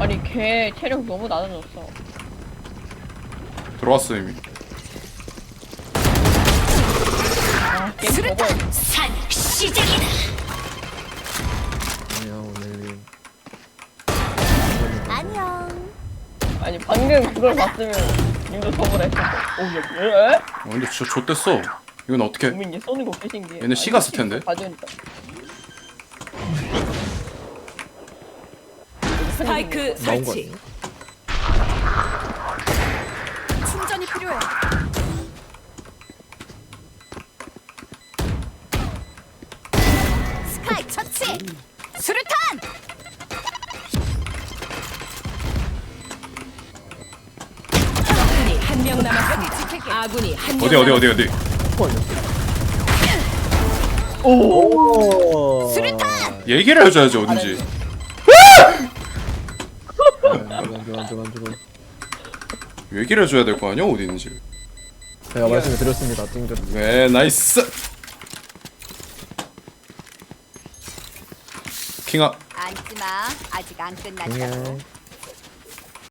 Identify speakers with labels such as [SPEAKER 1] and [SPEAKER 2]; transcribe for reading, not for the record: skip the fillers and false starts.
[SPEAKER 1] 아니 걔 체력 너무 낮아졌어.
[SPEAKER 2] 들어왔어 이미.
[SPEAKER 1] 아 게임 접어.
[SPEAKER 3] 산 시작이다.
[SPEAKER 4] 안녕 오늘
[SPEAKER 3] 안녕.
[SPEAKER 1] 아니 방금 그걸 봤으면 님도 접으라 했을 거. 오야 왜?
[SPEAKER 2] 근데 진짜 좆됐어. 이건 어떻게?
[SPEAKER 1] 우민 얘 쏘는 거 개신기해.
[SPEAKER 2] 얘네 C 갔을 텐데.
[SPEAKER 1] 봐주니까.
[SPEAKER 5] 스파이크
[SPEAKER 4] 나온 거
[SPEAKER 5] 설치.
[SPEAKER 3] 충전이 필요해. 스카이 처치. 수류탄.
[SPEAKER 5] 아군이 한 명 남았습니다. 아군이 한 명.
[SPEAKER 2] 어디?
[SPEAKER 4] 오
[SPEAKER 3] 수류탄.
[SPEAKER 2] 얘기를 해줘야지 어딘지.
[SPEAKER 4] 저건
[SPEAKER 2] 얘기를 해줘야 될 거 아니야 어디 있는지.
[SPEAKER 4] 제가 말씀을 드렸습니다 찡들
[SPEAKER 2] 네 나이스. 킹아.
[SPEAKER 3] 앉지마. 아직 안 끝났다고.
[SPEAKER 4] 안녕